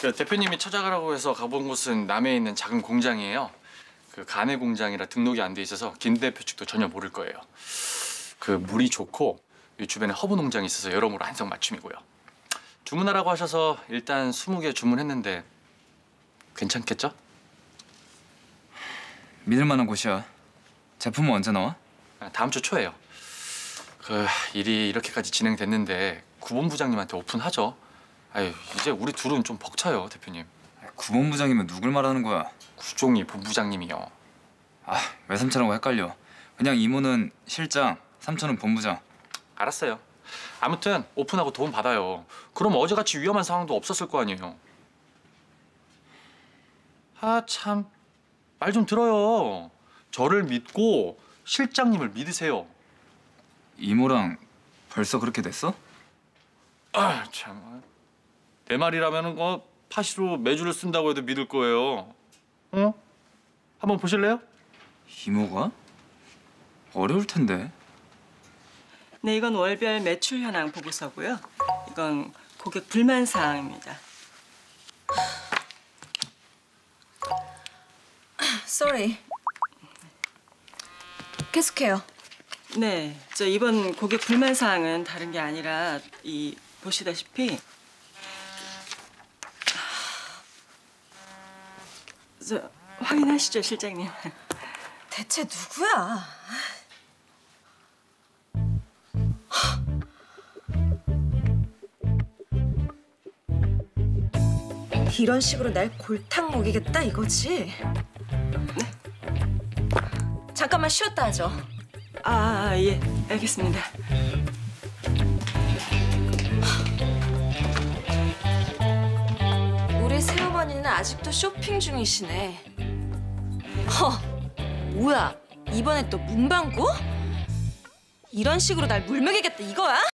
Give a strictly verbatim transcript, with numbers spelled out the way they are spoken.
그 대표님이 찾아가라고 해서 가본 곳은 남해에 있는 작은 공장이에요. 그 가내 공장이라 등록이 안 돼 있어서 김 대표 측도 전혀 모를 거예요. 그 물이 좋고 이 주변에 허브 농장이 있어서 여러모로 한성맞춤이고요. 주문하라고 하셔서 일단 스무 개 주문했는데 괜찮겠죠? 믿을 만한 곳이야. 제품은 언제 나와? 다음 주 초에요. 그 일이 이렇게까지 진행됐는데 구본부장님한테 오픈하죠. 아유, 이제 우리 둘은 좀 벅차요, 대표님. 구본부장이면 누굴 말하는 거야? 구종이 본부장님이요. 아, 외삼촌하고 헷갈려. 그냥 이모는 실장, 삼촌은 본부장. 알았어요. 아무튼 오픈하고 도움 받아요. 그럼 어제같이 위험한 상황도 없었을 거 아니에요. 아, 참. 말 좀 들어요. 저를 믿고 실장님을 믿으세요. 이모랑 벌써 그렇게 됐어? 아, 참. 내 말이라면은 뭐 파시로 매주를 쓴다고 해도 믿을 거예요. 어? 한번 보실래요? 이모가? 어려울 텐데. 네, 이건 월별 매출 현황 보고서고요. 이건 고객 불만 사항입니다. Sorry. 계속해요. 네, 저 이번 고객 불만 사항은 다른 게 아니라 이 보시다시피 저 확인하시죠, 실장님. 대체 누구야? 이런 식으로 날 골탕 먹이겠다 이거지? 네? 잠깐만 쉬었다 하죠. 아, 아, 예, 알겠습니다. 우리 새어머니는 아직도 쇼핑 중이시네. 허, 뭐야? 이번에 또 문방구? 이런 식으로 날 물먹이겠다 이거야?